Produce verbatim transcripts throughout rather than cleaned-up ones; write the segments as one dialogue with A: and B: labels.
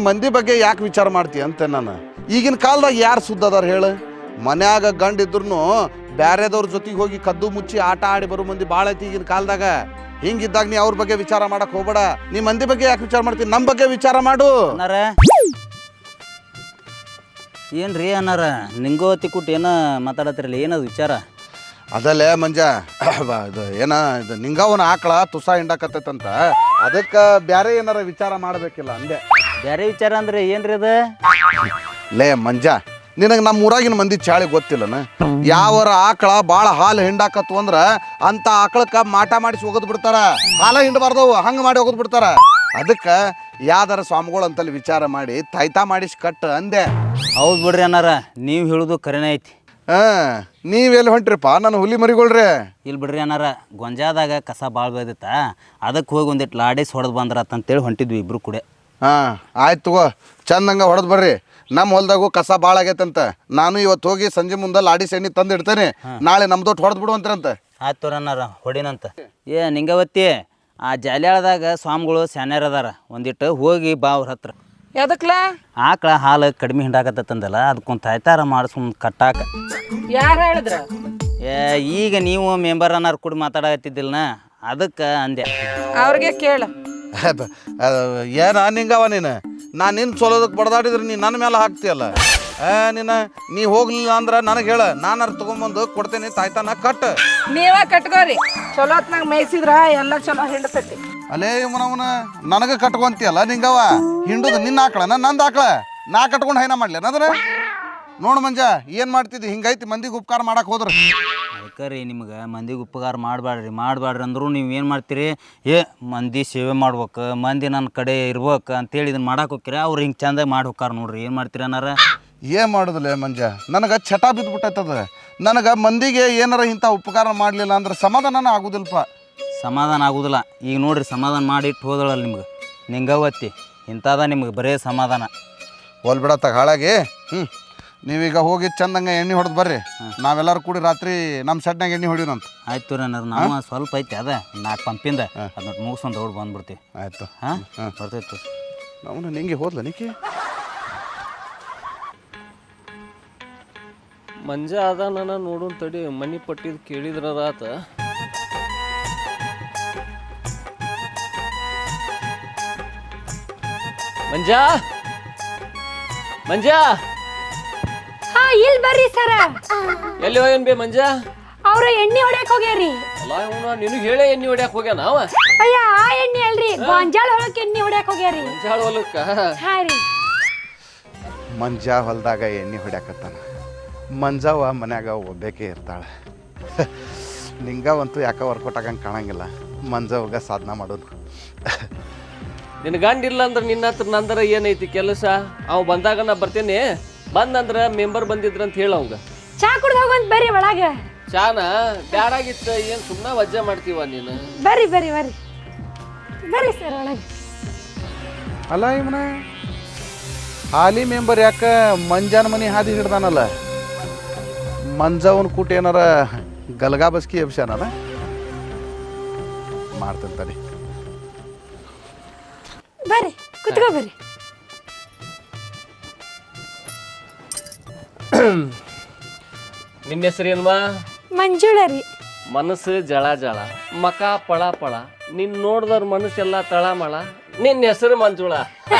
A: ಮಂದಿ ಬಗ್ಗೆ ಯಾಕೆ ವಿಚಾರ ಮಾಡ್ತೀಯ ಅಂತ ನಾನು. ಈಗಿನ ಕಾಲದಾಗ ಯಾರು ಸುದ್ದ ಅದಾರ ಹೇಳು? ಮನ್ಯಾಗ ಗಂಡ ಇದ್ರು ಬ್ಯಾರೆದವ್ರ ಜೊತೆಗೆ ಹೋಗಿ ಕದ್ದು ಮುಚ್ಚಿ ಆಟ ಆಡಿ ಬರೋ ಮಂದಿ ಭಾಳ ಐತಿ ಈಗಿನ ಕಾಲದಾಗ. ಹಿಂಗಿದ್ದಾಗ ನೀ ಅವ್ರ ಬಗ್ಗೆ ವಿಚಾರ ಮಾಡಕ್ ಹೋಗ್ಬೇಡ. ನೀ ಮಂದಿ ಬಗ್ಗೆ ಯಾಕೆ ವಿಚಾರ ಮಾಡ್ತೀನಿ? ನಮ್ಮ ಬಗ್ಗೆ ವಿಚಾರ ಮಾಡು.
B: ಅನ್ನಾರ ಏನ್ರಿ ಅನ್ನಾರ ನಿಂಗೋ ತಿಕ್ಕುಟ್ ಏನ ಮಾತಾಡತ್ತಿರಲಿ, ಏನದು ವಿಚಾರ?
A: ಅದಲ್ಲೇ ಮಂಜ, ಇದು ಏನ ಇದು ನಿಂಗವನ ಆಕಳ ತುಸ ಹಿಂಡಾಕತ್ತೈತಂತ, ಅದಕ್ಕೆ ಬ್ಯಾರೆ ಏನಾರ ವಿಚಾರ ಮಾಡಬೇಕಿಲ್ಲ ಅಂದೆ.
B: ಬೇರೆ ವಿಚಾರ ಅಂದ್ರೆ ಏನ್ರಿ ಅದ?
A: ಲೇ ಮಂಜ, ನಿನಗೆ ನಮ್ಮ ಊರಾಗಿನ ಮಂದಿ ಚಾಳಿ ಗೊತ್ತಿಲ್ಲನ? ಯಾವರ ಆಕಳ ಭಾಳ ಹಾಲು ಹಿಂಡಾಕತ್ತು ಅಂದ್ರೆ ಅಂತ ಆಕಳಕ್ಕೆ ಮಾಟ ಮಾಡಿಸಿ ಒಗದ್ ಬಿಡ್ತಾರ. ಹಾಲ ಹಿಂಡಬಾರ್ದವು, ಹಂಗೆ ಮಾಡಿ ಒಗದ್ ಬಿಡ್ತಾರ. ಅದಕ್ಕೆ ಯಾವ್ದಾರ ಸ್ವಾಮಿಗಳು ಅಂತಲ್ಲಿ ವಿಚಾರ ಮಾಡಿ ತಾಯ್ತಾ ಮಾಡಿಸಿ ಕಟ್ಟು ಅಂದೆ.
B: ಹೌದು ಬಿಡ್ರಿ ಅನ್ನಾರ, ನೀವು ಹೇಳೋದು ಕರೆನೇ ಐತಿ.
A: ಹಾಂ, ನೀವೆಲ್ಲಿ ಹೊಂಟ್ರಿಪ್ಪ ನನ್ನ ಹುಲಿ ಮರಿಗಳ್ರಿ?
B: ಇಲ್ಲಿ ಬಿಡ್ರಿ ಅನ್ನಾರ, ಗೊಂಜಾದಾಗ ಕಸ ಭಾಳ ಬೆಳೆದಿತ್ತ, ಅದಕ್ಕೆ ಹೋಗಿ ಒಂದಿಟ್ಟು ಲಾಡೇಸ್ ಹೊಡೆದು ಬಂದ್ರತ್ತ ಅಂತೇಳಿ ಹೊಂಟಿದ್ವಿ ಇಬ್ರು ಕೂಡ.
A: ಹಾಂ ಆಯ್ತು ತಗೋ, ಚಂದಂಗೆ ಹೊಡೆದು ಬರ್ರಿ. ನಮ್ಮ ಹೊಲ್ದಾಗೂ ಕಸ ಭಾಳ ಆಗೈತಂತ. ನಾನು ಇವತ್ತು ಹೋಗಿ ಸಂಜೆ ಮುಂದೆ ಲಾಡಿಸ್ ಎಣ್ಣೆ ತಂದು ಇಡ್ತೇನೆ, ನಾಳೆ ನಮ್ದೊಟ್ಟು ಹೊಡೆದು ಬಿಡುವಂತ್ರಂತ.
B: ಆಯ್ತು ತೋರನ್ನಾರ, ಹೊಡಿನಂತ. ಏ ನಿಂಗವತ್ತಿ, ಆ ಜಾಲ್ಯಾಳದಾಗ ಸ್ವಾಮಿಗಳು ಸ್ಯಾನ್ಯರ್ ಅದಾರ, ಒಂದಿಟ್ಟು ಹೋಗಿ ಬಾ ಅವ್ರ ಹತ್ರ.
C: ಯಾದಕ್ಲ?
B: ಆಕಳ ಹಾಲು ಕಡಿಮೆ ಹಿಂಡಾಕತ್ತಂದಲ್ಲ, ಅದಕ್ಕೊಂದು ತಾಯ್ತಾರ ಮಾಡಿಸ್ಕೊಂಡು ಕಟ್ಟಾಕ.
C: ಯಾರು ಹೇಳಿದ್ರ?
B: ಏ ಈಗ ನೀವು ಮೆಂಬರ್ ಅನ್ನಾರು ಕೂಡ ಮಾತಾಡಕತ್ತಿದ್ದಿಲ್ಲ, ಅದಕ್ಕೆ ಅಂದೆ.
C: ಅವ್ರಿಗೆ ಕೇಳ.
A: ಏನ ನಿಂಗವ ನೀನು? ನಾನು ನಿನ್ನ ಸೋಲೋದಕ್ಕೆ ಬಡ್ದಾಡಿದ್ರೆ ನೀನು ನನ್ನ ಮೇಲೆ ಹಾಕ್ತೀಯಲ್ಲ. ನೀನು ನೀ ಹೋಗ್ಲಿಲ್ಲ ಅಂದ್ರೆ ನನಗೆ ಹೇಳ, ನಾನು ತೊಗೊಂಬಂದು ಕೊಡ್ತೇನೆ, ತಾಯ್ತಾನ ಕಟ್.
C: ನೀವ ಕಟ್ಕೋರಿ, ಚಲೋ ಹೊತ್ನಾಗ ಮೇಯ್ಸಿದ್ರ ಎಲ್ಲ ಚಲೋ ಹಿಂಡತೈತಿ.
A: ಅಲೇ ಇವನವನ ನನಗೆ ಕಟ್ಕೊಂತೀಯಲ್ಲ ನಿಂಗವ. ಹಿಂಡುದು ನಿನ್ನ ಆಕಳನ ನಂದು ಆಕಳ, ನಾ ಕಟ್ಕೊಂಡು ಹೈನ ಮಾಡ್ಲಿ ಅನ್ನೋದ್ರ? ನೋಡು ಮಂಜ, ಏನು ಮಾಡ್ತಿದ್ದಿ? ಹಿಂಗೈತಿ ಮಂದಿಗೆ ಉಪಕಾರ ಮಾಡಕ್ಕೆ ಹೋದ್ರೆ.
B: ಅದಕ್ಕೆ ರೀ ನಿಮ್ಗೆ ಮಂದಿಗೆ ಉಪಕಾರ ಮಾಡಬೇಡ್ರಿ ಮಾಡಬೇಡ್ರಿ ಅಂದರೂ ನೀವು ಏನು ಮಾಡ್ತೀರಿ? ಏ ಮಂದಿ ಸೇವೆ ಮಾಡ್ಬೇಕು, ಮಂದಿ ನನ್ನ ಕಡೆ ಇರ್ಬೇಕು ಅಂತೇಳಿ ಇದನ್ನು ಮಾಡಕ್ಕೆ ಹೋಗ್ತೀರಿ. ಅವ್ರು ಹಿಂಗೆ ಚಂದಾಗಿ ಮಾಡಿ ಹೋಗ್ಕಾರ ನೋಡ್ರಿ, ಏನು ಮಾಡ್ತೀರಿ ಅನ್ನಾರ?
A: ಏನು ಮಾಡೋದಿಲ್ಲ ಮಂಜ, ನನಗೆ ಚಟ ಬಿದ್ದುಬಿಟ್ಟೈತದ. ನನಗೆ ಮಂದಿಗೆ ಏನಾರ ಇಂಥ ಉಪಕಾರ ಮಾಡಲಿಲ್ಲ ಅಂದ್ರೆ ಸಮಾಧಾನ ಆಗೋದಿಲ್ಲಪ್ಪ.
B: ಸಮಾಧಾನ ಆಗೋದಿಲ್ಲ. ಈಗ ನೋಡ್ರಿ, ಸಮಾಧಾನ ಮಾಡಿ ಇಟ್ಟು ಹೋದಳಲ್ಲ ನಿಮ್ಗೆ ನಿಂಗವತ್ತಿ, ಇಂಥದ ನಿಮ್ಗೆ ಬರೇ ಸಮಾಧಾನ.
A: ಹೋಲ್ ಬಿಡತ್ತ ಹಾಳಾಗಿ. ಹ್ಞೂ, ನೀವೀಗ ಹೋಗಿ ಚಂದಂಗೆ ಎಣ್ಣೆ ಹೊಡೆದು ಬರ್ರಿ. ನಾವೆಲ್ಲರೂ ಕೂಡಿ ರಾತ್ರಿ ನಮ್ಮ ಸೆಟ್ನಾಗ ಎಣ್ಣೆ ಹೊಡಿಯೋಣಂತ.
B: ಆಯ್ತು ರೀ ಅನ್ನಾರ, ನಾವು ಸ್ವಲ್ಪ ಐತೆ ಅದ ನಾಲ್ಕು ಪಂಪಿಂದ ಅದನ್ನ ಮುಗಿಸ್ಕೊಂಡು ದೌಡ್ ಬಂದ್ಬಿಡ್ತೀವಿ.
A: ಆಯಿತು.
B: ಹಾಂ ಹಾಂ ಬರ್ತೈತೆ.
A: ನಾವು ನಿಂಗೆ ಹೋದ್ಲ ನಿಕ್ಕಿ
D: ಮಂಜ ಅದ ನನ್ನ ನೋಡೋನ್ ತಡಿ, ಮನಿ ಪಟ್ಟಿದ್ ಕೇಳಿದ್ರ ಆತ. ಮಂಜ ಮಂಜ
E: ಹಾ, ಇಲ್ಲಿ ಬರ್ರಿ ಸರ.
D: ಎಲ್ಲಿ ಹೋಗ್ಯಾನ ಬೇ ಮಂಜ?
E: ಅವ್ರ ಎಣ್ಣೆ ಹೊಡ್ಯಾಕ್ ಹೋಗ್ಯಾರಿ.
D: ಅಲ್ಲ ಇವನ ನಿನಗೆ ಹೇಳೇ ಎಣ್ಣೆ ಹೊಡ್ಯಾಕ ಹೋಗ್ಯಾನ ಅವ?
E: ಅಯ್ಯ, ಆ ಎಣ್ಣೆ ಅಲ್ರಿ, ಗೊಂಜಾಳ ಹೊಳಕ್ ಎಣ್ಣೆ ಹೊಡ್ಯಾಕ್ ಹೋಗ್ಯಾರಿ.
D: ಮಂಜಾಳ ಹೊಲಕ್ಕ?
E: ಹಾ ರೀ.
A: ಮಂಜ ಹೊಲದಾಗ ಎಣ್ಣೆ ಹೊಡ್ಯಾಕತ್ತಾನ. ಮಂಜಾವ ಮನ್ಯಾಗ ಒಬ್ಬೇಕೆ ಇರ್ತಾಳೆ. ನಿಂಗವಂತೂ ಯಾಕೆ ವರ್ಕೌಟ್ ಆಗಂಗೆ ಕಾಣಂಗಿಲ್ಲ. ಮಂಜಾವಾಗ ಸಾಧನ ಮಾಡೋದು.
D: ನಿನ್ನ ಗಂಡ ಇಲ್ಲ ಅಂದ್ರೆ ನಿನ್ನ ಹತ್ರ ನಂದರ ಏನೈತಿ ಕೆಲಸ? ಅವ್ ಬಂದಾಗ ನಾ ಬರ್ತೇನೆ, ಬಂದಂದ್ರ ಮೆಂಬರ್ ಬಂದಿದ್ರ ಅಂತ ಹೇಳ ಅವಂಗ.
E: ಚಾ ಕುಡ್ದು ಹೋಗಂತ ಬರ್ರಿ ಒಳಗ.
D: ಚಾನ ಬ್ಯಾಡಾಗಿತ್ತ, ಏನ್ ಸುಮ್ಮನೆ ವಜ್ಜೆ ಮಾಡ್ತೀವ ನೀನು?
E: ಬರ್ರಿ ಬರ್ರಿ ಬರ್ರಿ ಬರ್ರಿ ಸರ್ ಒಳಗ.
A: ಅಲ್ಲ ಇವನ ಹಾಲಿ ಮೆಂಬರ್ ಯಾಕೆ ಮಂಜಾನ ಮನೆ ಹಾದಿ ಹಿಡ್ದಾನಲ್ಲ? ಮಂಜಾವನ್ ಕೂಟ ಏನಾರ ಗಲ್ಗಾ ಬಸ್ಕಿ ಎಬ್ಸ್ಯಾನಲ್ಲ? ಮಾಡ್ತೇನೆ ತಡಿ.
E: ಬರ್ರಿ ಕುತ್ಕೋ ಬರ್ರಿ.
D: ನಿನ್ನ ಹೆಸರೇನ್ವಾ?
E: ಮಂಜುಳ ರೀ.
D: ಮನಸ್ಸು ಜಳ ಜಳ, ಮಕ ಪಳ ಪಳ, ನಿನ್ ನೋಡ್ದವ್ರ ಮನಸ್ಸೆಲ್ಲ ತಳಮಳ, ನಿನ್ನ ಹೆಸರು ಮಂಜುಳ.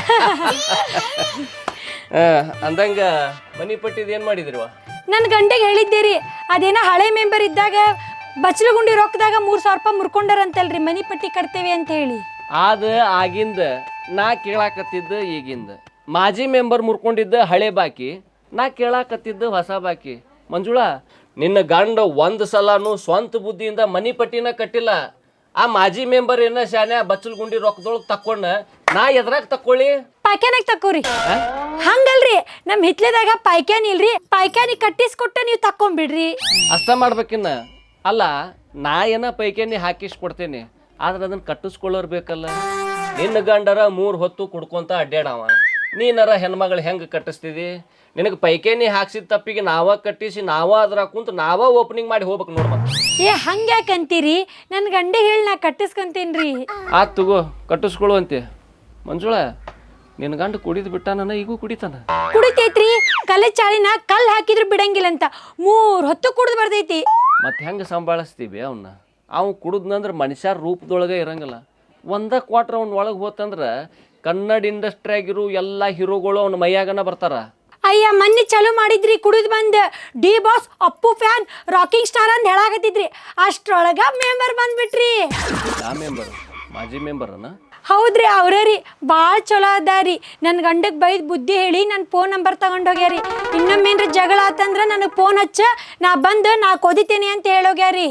D: ಅಂದಂಗ ಮನಿ ಪಟ್ಟಿದ್ ಏನ್ ಮಾಡಿದ್ರಿವ?
E: ನನ್ನ ಗಂಡೆಗೆ ಹೇಳಿದ್ದೀರಿ, ಅದೇನ ಹಳೆ ಮೆಂಬರ್ ಇದ್ದಾಗ ಬಚ್ಚಲಗುಂಡಿ ರೊಕ್ಕದಾಗ ಮೂರ್ ಸಾವಿರ ರೂಪಾಯಿ ಮುರ್ಕೊಂಡಾರಂತಲ್ರಿ, ಮನಿ ಪಟ್ಟಿ ಕಟ್ತೇವೆ ಅಂತ ಹೇಳಿ.
D: ಅದ ಆಗಿಂದ ನಾ ಕೇಳಾಕತ್ತಿದ್ದ ಈಗಿಂದ. ಮಾಜಿ ಮೆಂಬರ್ ಮುರ್ಕೊಂಡಿದ್ದ ಹಳೆ ಬಾಕಿ, ನಾ ಕೇಳಾಕತ್ತಿದ್ದ ಹೊಸ ಬಾಕಿ. ಮಂಜುಳ, ನಿನ್ನ ಗಂಡ ಒಂದು ಸಲಾನು ಸ್ವಂತ ಬುದ್ಧಿಯಿಂದ ಮನಿ ಪಟ್ಟಿನ ಕಟ್ಟಿಲ್ಲ. ಆ ಮಾಜಿ ಮೆಂಬರ್ ಏನ ಶಾನ್ಯ ಬಚ್ಚಲ್ಗುಂಡಿ ರೊಕ್ಕದೊಳಗೆ ತಕ್ಕೊಂಡ, ನಾ ಎದ್ರಾಗ ತಕ್ಕೊಳ್ಳಿ?
E: ಪಾಯ್ಕಾನಾಗ ತಕ್ಕೋರಿ. ಹಂಗಲ್ರಿ, ನಮ್ ಹಿತ್ಲೆದಾಗ ಪಾಯ್ಕಾನಿ ಇಲ್ರಿ, ಪಾಯ್ಕಾನಿ ಕಟ್ಟಿಸ್ಕೊಟ್ಟ ನೀವು ತಕ್ಕೊಂಬಿಡ್ರಿ.
D: ಅಷ್ಟ ಮಾಡ್ಬೇಕಿನ್ನ. ಅಲ್ಲ, ನಾ ಏನ ಪೈಕಾನಿ ಹಾಕಿಸ್ ಕೊಡ್ತೇನೆ, ಆದ್ರೆ ಅದನ್ನ ಕಟ್ಟಿಸ್ಕೊಳ್ಳೋರ್ ಬೇಕಲ್ಲ. ನಿನ್ನ ಗಂಡರ ಮೂರ್ ಹೊತ್ತು ಕುಡ್ಕೊಂತ ಅಡ್ಡಾಡವ, ನೀನರ ಹೆಣ್ಮಗಳು ಹೆಂಗೆ ಕಟ್ಟಿಸ್ತಿದಿ? ನಿನಗೆ ಪೈಕೇನಿ ಹಾಕ್ಸಿದ ತಪ್ಪಿಗೆ ನಾವ ಕಟ್ಟಿಸಿ ನಾವ ಅದ್ರ ಕುಂತ ನಾವ ಓಪನಿಂಗ್ ಮಾಡಿ ಹೋಗ್ಬೇಕು ನೋಡ್ಮ.
E: ಏ ಹಂಗ್ಯಾಕಂತೀರಿ? ನನ್ನ ಗಂಡ ಹೇಳಿ ನಾ ಕಟ್ಟಿಸ್ಕೊಂತೇನ್ರಿ.
D: ಆತ್ ತಗೋ, ಕಟ್ಟಿಸ್ಕೊಳ್ಳು ಅಂತೆ. ಮಂಜುಳ, ನಿನ್ನ ಗಂಡ ಕುಡಿದು ಬಿಟ್ಟಾನ, ಈಗೂ ಕುಡಿತಾನ.
E: ಕುಡಿತೈತ್ರಿ, ಕಲೆ ಚಾಳಿನ ಕಲ್ ಹಾಕಿದ್ರು ಬಿಡಂಗಿಲ್ಲ ಅಂತ ಮೂರ್ ಹೊತ್ತು ಕುಡ್ದು ಬರ್ತೈತಿ.
D: ಮತ್ತೆ ಹೆಂಗೆ ಸಂಭಾಳಿಸ್ತೀವಿ ಅವನ್ನ? ಅವ್ ಕುಡಿದ್ನಂದ್ರೆ ಮನುಷ್ಯರ ರೂಪದೊಳಗೆ ಇರಂಗಿಲ್ಲ. ಒಂದ ಕ್ವಾಟ್ರ್ ಅವ್ನ ಒಳಗೆ ಹೋತಂದ್ರೆ ಕನ್ನಡ ಇಂಡಸ್ಟ್ರಿಯಾಗಿರೋ ಎಲ್ಲ ಹೀರೋಗಳು ಅವ್ನ ಮೈಯಾಗನ ಬರ್ತಾರ.
E: ಅಯ್ಯ ಮೊನ್ನೆ ಚಾಲು ಮಾಡಿದ್ರಿ ಕುಡಿದು ಬಂದ್ D boss Appu fan rocking star ಅಂತ ಹೇಳಾಕತ್ತಿದ್ರಿ, ಅಷ್ಟ್ರೊಳಗ ಮೆಂಬರ್ ಬಂದ್ಬಿಟ್ರಿ.
D: ಯಾ ಮೆಂಬರ್? ಮಾಜಿ ಮೆಂಬರ್ನ?
E: ಹೌದ್ರಿ, ಅವ್ರೇ ರೀ. ಭಾಳ ಚಲೋ ಅದಾರಿ. ನನ್ನ ಗಂಡಗೆ ಬೈದ್ ಬುದ್ಧಿ ಹೇಳಿ ನನ್ನ ಫೋನ್ ನಂಬರ್ ತಗೊಂಡೋಗ್ಯಾರಿ. ಇನ್ನೊಮ್ಮೇನ್ರ ಜಗಳ ಆತಂದ್ರ ನನಗೆ ಫೋನ್ ಹಚ್ಚ, ನಾ ಬಂದು ನಾ ಕೊದಿತೇನೆ ಅಂತ ಹೇಳೋಗ್ಯಾರಿ.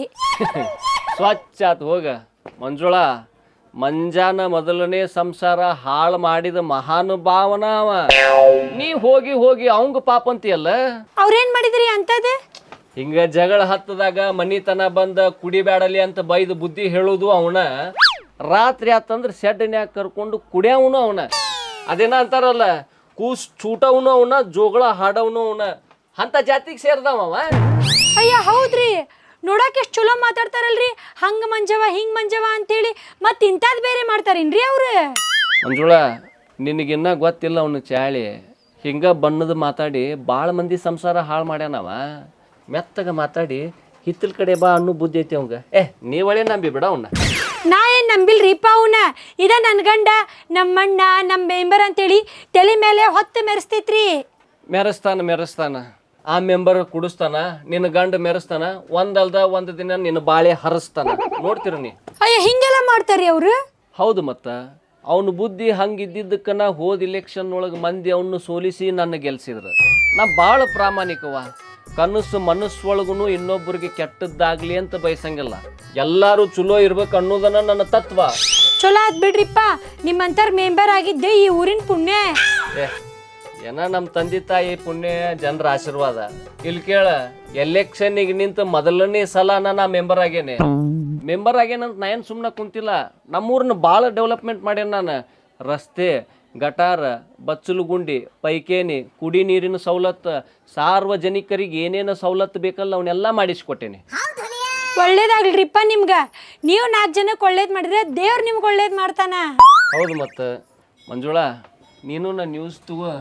D: ಸ್ವಚ್ಛ ಆತು ಹೋಗ. ಮಂಜುಳಾ, ಮಂಜಾನ ಮೊದಲನೇ ಸಂಸಾರ ಹಾಳು ಮಾಡಿದ ಮಹಾನುಭಾವನ ಅವ. ನೀ ಹೋಗಿ ಹೋಗಿ ಅವಂಗ ಪಾಪ ಅಂತೀಯಲ್ಲ.
E: ಅವ್ರೇನ್ ಮಾಡಿದ್ರಿ ಅಂತದ?
D: ಹಿಂಗ ಜಗಳ ಹತ್ತದಾಗ ಮನಿತನ ಬಂದ ಕುಡಿಬ್ಯಾಡಲಿ ಅಂತ ಬೈದು ಬುದ್ಧಿ ಹೇಳುದು ಅವನ. ರಾತ್ರಿ ಆತಂದ್ರೆ ಶೆಡ್ನ್ಯಾಗ ಕರ್ಕೊಂಡು ಕುಡಿಯವನು ಅವನ. ಅದೇನ ಅಂತಾರಲ್ಲ, ಕೂಸ್ ಚೂಟವನು ಅವನ, ಜೋಗಳ ಹಾಡವನು ಅವನ. ಅಂತ ಜಾತಿಗೆ ಸೇರ್ದವ ಅವ.
E: ಅಯ್ಯ ಹೌದ್ರಿ, ನೋಡಕ್ಕೆ ಎಷ್ಟು ಚಲೋ ಮಾತಾಡ್ತಾರಲ್ರಿ, ಹಂಗ ಮಂಜವ ಹಿಂಗ್ ಮಂಜವ ಅಂತೇಳಿ. ಮತ್ತೆ ಇಂಥದ್ದು ಬೇರೆ ಮಾಡ್ತಾರೇನ್ರಿ ಅವ್ರು?
D: ಮಂಜುಳಾ, ನಿನಗಿನ್ನ ಗೊತ್ತಿಲ್ಲ ಅವನು ಚಾಳಿ. ಹಿಂಗ ಬಣ್ಣದ ಮಾತಾಡಿ ಭಾಳ ಮಂದಿ ಸಂಸಾರ ಹಾಳು ಮಾಡ್ಯಾನವ. ಮೆತ್ತಗ ಮಾತಾಡಿ ಹಿತ್ತಲ ಕಡೆ ಬಾ ಅನ್ನೋ ಬುದ್ಧಿ ಐತಿ ಅವಂಗ. ಏ ನೀವಳೆ ನಂಬಿ ಬಿಡ ಅವನ್ನ.
E: ನಾ ಏನ್ ನಂಬಿಲ್ರಿಪ್ಪ ಅವನ. ಇದ ನನ್ನ ಗಂಡ ನಮ್ಮಣ್ಣ ನಮ್ಮ ಮೆಂಬರ್ ಅಂತೇಳಿ ತಲೆ ಮೇಲೆ ಹೊತ್ತು ಮೆರೆಸ್ತೈತ್ರಿ.
D: ಮೆರೆಸ್ತಾನ ಮೆರೆಸ್ತಾನ ಆ ಮೆಂಬರ್ ಕುಡಿಸ್ತಾನ, ನಿನ್ನ ಗಂಡ ಮೆರೆಸ್ತಾನ. ಒಂದಲ್ದ ಒಂದು ದಿನ ನಿನ್ನ ಬಾಳೆ ಹರಿಸ್ತಾನ. ನೋಡ್ತೀರ ನೀ?
E: ಅಯ್ಯ ಹಿಂಗೆಲ್ಲ ಮಾಡ್ತಾರಿ ಅವ್ರು?
D: ಹೌದು, ಮತ್ತ ಅವನ ಬುದ್ಧಿ ಹಂಗಿದ್ದಿದ್ದಕ್ಕ ನಾ ಹೋದ ಇಲೆಕ್ಷನ್ ಒಳಗೆ ಮಂದಿ ಅವನು ಸೋಲಿಸಿ ನನ್ನ ಗೆಲ್ಸಿದ್ರು. ನಾ ಭಾಳ ಪ್ರಾಮಾಣಿಕವ. ಕನಸು ಮನಸ್ಸೊಳಗೂ ಇನ್ನೊಬ್ಬರಿಗೆ ಕೆಟ್ಟದ್ದಾಗ್ಲಿ ಅಂತ ಬಯಸಂಗಿಲ್ಲ. ಎಲ್ಲರೂ ಚಲೋ ಇರ್ಬೇಕು ಅನ್ನೋದನ್ನ ನನ್ನ ತತ್ವ.
E: ಚಲೋ ಆದ್ ಬಿಡ್ರಿಪ್ಪ, ನಿಮ್ಮಂತರ ಮೆಂಬರ್ ಆಗಿದ್ದೆ ಈ ಊರಿನ ಪುಣ್ಯ.
D: ಏ ಏನ ನಮ್ಮ ತಂದೆ ತಾಯಿ ಪುಣ್ಯ, ಜನರ ಆಶೀರ್ವಾದ. ಇಲ್ಲಿ ಕೇಳ, ಎಲೆಕ್ಷನ್ನಿಗೆ ನಿಂತ ಮೊದಲನೇ ಸಲ ನಾ ಮೆಂಬರ್ ಆಗೇನೆ. ಮೆಂಬರ್ ಆಗೇನಂತ ನಾ ಏನು ಸುಮ್ಮನೆ ಕುಂತಿಲ್ಲ. ನಮ್ಮೂರನ್ನ ಭಾಳ ಡೆವಲಪ್ಮೆಂಟ್ ಮಾಡ್ಯಾನ ನಾನು. ರಸ್ತೆ, ಗಟಾರ, ಬಚ್ಚಲು ಗುಂಡಿ, ಪೈಕೇನಿ, ಕುಡಿ ನೀರಿನ ಸವಲತ್ತು, ಸಾರ್ವಜನಿಕರಿಗೆ ಏನೇನು ಸವಲತ್ತು ಬೇಕಲ್ಲ ಅವನ್ನೆಲ್ಲ ಮಾಡಿಸ್ಕೊಟ್ಟೇನೆ.
E: ಒಳ್ಳೇದಾಗ್ಲಿರಿಪ್ಪ ನಿಮ್ಗ. ನೀವು ನಾಲ್ಕು ಜನಕ್ಕೆ ಒಳ್ಳೇದು ಮಾಡಿದ್ರೆ ದೇವ್ರು ನಿಮ್ಗೆ ಒಳ್ಳೇದು ಮಾಡ್ತಾನ.
D: ಹೌದು, ಮತ್ತು ಮಂಜುಳಾ, ನೀನು ನನ್ನ ನ್ಯೂಸ್ ತಗೋ.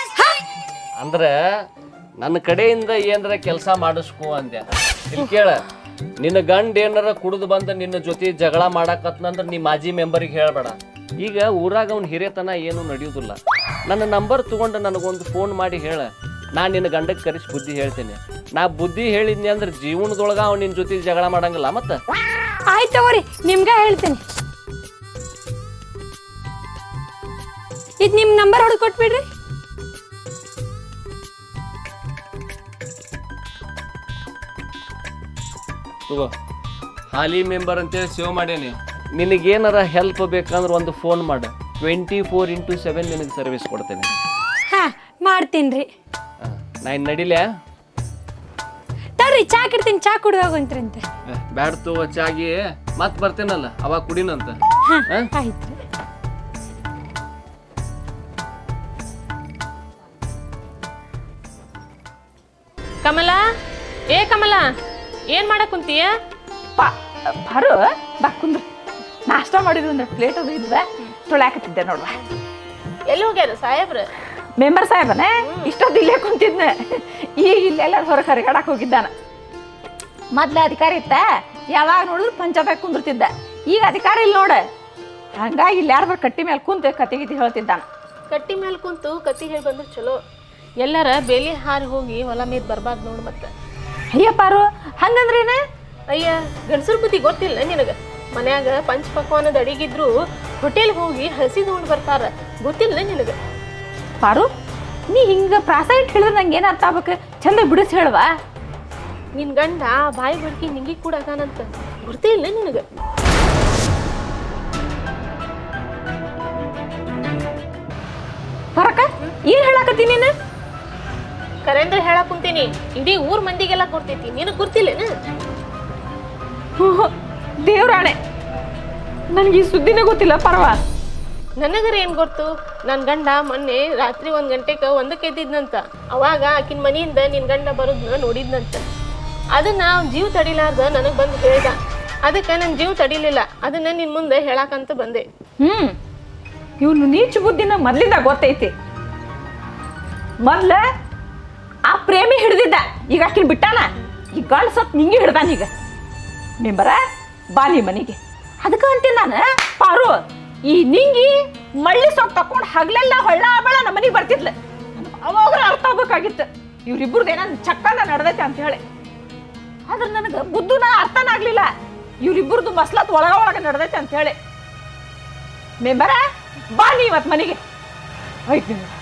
D: ಅಂದ್ರೆ ನನ್ನ ಕಡೆಯಿಂದ ಏನಾರ ಕೆಲಸ ಮಾಡಿಸ್ಕೋ ಅಂದೆ. ಇಲ್ಲಿ ಕೇಳ, ನಿನ್ನ ಗಂಡ ಏನಾರ ಕುಡಿದು ಬಂದು ನಿನ್ನ ಜೊತೆ ಜಗಳ ಮಾಡಾಕತ್ನಂದ್ರೆ ನೀ ಮಾಜಿ ಮೆಂಬರಿಗೆ ಹೇಳಬೇಡ. ಈಗ ಊರಾಗ ಅವ್ನ ಹಿರಿಯತನ ಏನು ನಡೆಯೋದಿಲ್ಲ. ನನ್ನ ನಂಬರ್ ತೊಗೊಂಡು ನನಗೊಂದು ಫೋನ್ ಮಾಡಿ ಹೇಳ, ನಾನು ನಿನ್ನ ಗಂಡಕ್ಕೆ ಕರೆಸಿ ಬುದ್ಧಿ ಹೇಳ್ತೇನೆ. ನಾ ಬುದ್ಧಿ ಹೇಳಿದ್ನಿ ಅಂದ್ರೆ ಜೀವನದೊಳಗೆ ಅವ್ನು ನಿನ್ನ ಜೊತೆ ಜಗಳ ಮಾಡಂಗಿಲ್ಲ. ಮತ್ತೆ
E: ಆಯ್ತು ತಗೋರಿ, ನಿಮ್ಗ ಹೇಳ್ತೇನೆ. ಇದು ನಿಮ್ಮ ನಂಬರ್ ಹೊಡೆದು ಕೊಟ್ಬಿಡ್ರಿ.
D: ತಗೋ, ಹಾಲಿ ಮೆಂಬರ್ ಅಂತೇಳಿ ಸೇವ್ ಮಾಡೇನಿ. ನಿನಗೇನಾರ ಹೆಲ್ಪ್ ಬೇಕಂದ್ರೆ ಒಂದು ಫೋನ್ ಮಾಡು. ಟ್ವೆಂಟಿ ಫೋರ್ ಇಂಟು ಸೆವೆನ್ ನಿನಗೆ ಸರ್ವಿಸ್ ಕೊಡ್ತೇನೆ.
E: ಹಾ ಮಾಡ್ತೀನಿ ರೀ.
D: ನಾ ಇನ್ನು ನಡಿಲೆ.
E: ತಡ್ರಿ, ಚಾ ಕಿಡ್ತೀನಿ, ಚಾ ಕುಡಿದು ಹೋಗಂತ್ರಂತೆ.
D: ಬ್ಯಾಡ ತಗೋ ಚಾಗಿ, ಮತ್ತೆ ಬರ್ತೇನಲ್ಲ ಅವಾಗ ಕುಡಿನಂತ.
E: ಹಾ ಆಯ್ತು.
F: ಕಮಲ, ಏ ಕಮಲ, ಏನ್ ಮಾಡಕ್ ಕುಂತೀಯ?
C: ಪಾ ಬರು ಬಾ ಕುಂದ್ರ. ನಾಷ್ಟ ಮಾಡಿದ್ರು ಅಂದ್ರೆ ಪ್ಲೇಟ್ ಅದು ಇದ್ವ ತೊಳ್ಯಾಕತ್ತಿದ್ದೆ ನೋಡ್ವಾ.
F: ಎಲ್ಲಿ ಹೋಗ್ಯಾರ ಸಾಹೇಬ್ರ?
C: ಮೆಂಬರ್ ಸಾಹೇಬನೇ ಇಷ್ಟೊತ್ತು ಇಲ್ಲೇ ಕುಂತಿದ್ನೆ. ಈಗ ಇಲ್ಲೆಲ್ಲ ಹೊರಗೆ ಹರಿಗಾಡಕ್ಕೆ ಹೋಗಿದ್ದಾನ. ಮೊದ್ಲು ಅಧಿಕಾರಿ ಇತ್ತ, ಯಾವಾಗ ನೋಡಿದ್ರು ಪಂಚಾಯತ್ ಕುಂದಿರ್ತಿದ್ದ. ಈಗ ಅಧಿಕಾರ ಇಲ್ಲ ನೋಡ. ಹಂಗಾಗಿ ಇಲ್ಲಿ ಯಾರು ಕಟ್ಟಿ ಮೇಲೆ ಕುಂತು ಕತೆ ಗೀತಿ ಹೇಳ್ತಿದ್ದಾನ.
F: ಕಟ್ಟಿ ಮೇಲೆ ಕುಂತು ಕತ್ತಿ ಹೇಳಿ ಬಂದ್ರೆ ಚಲೋ. ಎಲ್ಲಾರ ಬೇಲಿ ಹಾರಿ ಹೋಗಿ ಹೊಲ ಮೇದ್ ಬರ್ಬಾರ್ದು ನೋಡು. ಮತ್ತೆ
C: ಅಯ್ಯಪ್ಪಾರು ಹಂಗಂದ್ರೇನ?
F: ಅಯ್ಯ, ಗಂಡಸರ ಬುದ್ಧಿ ಗೊತ್ತಿಲ್ಲ ನಿನಗೆ? ಮನ್ಯಾಗ ಪಂಚ ಪಕ್ವಾನದ ಅಡಿಗಿದ್ರು ಹೋಟೆಲ್ಗೆ ಹೋಗಿ ಹಸಿ ತಗೊಂಡು ಬರ್ತಾರ, ಗೊತ್ತಿಲ್ಲ ನಿನಗೆ?
C: ಪಾರು, ನೀ ಹಿಂಗೆ ಪ್ರಾಸ ಇಟ್ಟು ಹೇಳಿದ್ರೆ ನಂಗೆ ಏನು ಅರ್ಥ ಆಗ್ಬೇಕು? ಚಂದ ಬಿಡಿಸಿ ಹೇಳುವ.
F: ನಿನ್ ಗಂಡ ಬಾಯಿ ಬಡ್ಕಿ ನಿಂಗಿ ಕೂಡ ಅದಾನಂತ ಗೊತ್ತೇ ಇಲ್ಲ ನಿನಗೆ?
C: ಬರಕ ಏನು ಹೇಳಾಕತ್ತೀನಿ ನೀನು?
F: ಕರೇಂದ್ರ ಹೇಳಕ್ ಕುಂತೀನಿ, ಇಡೀ ಊರ್ ಮಂದಿಗೆಲ್ಲ ಕೊಡ್ತೈತಿ, ನಿನಗೆ ಗೊತ್ತಿಲ್ಲೇನು?
C: ದೇವ್ರಾಣೆ, ನನಗೆ ಈ ಸುದ್ದಿನೇ ಗೊತ್ತಿಲ್ಲ ಪರವ.
F: ನನಗರ ಏನು ಗೊತ್ತು? ನನ್ನ ಗಂಡ ಮೊನ್ನೆ ರಾತ್ರಿ ಒಂದು ಗಂಟೆಗೆ ಒಂದಕ್ಕೆ ಎದ್ದಿದ್ನಂತ. ಅವಾಗ ಆಕಿನ ಮನೆಯಿಂದ ನಿನ್ನ ಗಂಡ ಬರೋದನ್ನ ನೋಡಿದ್ನಂತ. ಅದನ್ನ ಅವ್ನ ಜೀವ ತಡಿಲಾರ್ದ ನನಗೆ ಬಂದು ಹೇಳ್ದ. ಅದಕ್ಕೆ ನನ್ನ ಜೀವ ತಡಿಲಿಲ್ಲ. ಅದನ್ನ ನಿನ್ನ ಮುಂದೆ ಹೇಳಕ್ಕಂತ ಬಂದೆ.
C: ಹ್ಞೂ ಇವನು ನೀಚ ಬುದ್ಧಿನ ಮೊದ್ಲಿಂದ ಗೊತ್ತೈತಿ. ಮೊದ್ಲ ಆ ಪ್ರೇಮಿ ಹಿಡ್ದಿದ್ದ, ಈಗ ಆಕಿನ ಬಿಟ್ಟಾನ. ಈಗ ಗಂಡ ಸತ್ ನಿಂಗೆ ಹಿಡ್ದಾನ. ಈಗ ಮೆಂಬರ ಬಾ ನೀ ಮನೆಗೆ. ಅದಕ್ಕೆ ಅಂತೀನಿ ನಾನು, ಪಾರು ಈ ನಿಂಗಿ ಮಳ್ಳಿ ಸೊಪ್ಪು ತಕೊಂಡು ಹಗಲೆಲ್ಲ ಹೊಳ್ಳ ಬಳ ನಮ್ಮ ಮನೆಗೆ ಬರ್ತಿದ್ಲ. ಅವಾಗ ಅರ್ಥ ಆಗ್ಬೇಕಾಗಿತ್ತು ಇವ್ರಿಬ್ರದ್ದು ಏನಂದ್ ಚಕ್ಕನ ನಡೆದೈತೆ ಅಂತ ಹೇಳಿ. ಆದ್ರೆ ನನಗೆ ಬುದ್ಧನ ಅರ್ಥನ ಆಗ್ಲಿಲ್ಲ ಇವ್ರಿಬ್ರದ್ದು ಮಸ್ಲತ್ ಒಳಗ ಒಳಗ ನಡೆದೈತೆ ಅಂತ ಹೇಳಿ. ಮೆಂಬರ ಬಾ ನೀ ಇವತ್ತು ಮನೆಗೆ. ಆಯ್ತು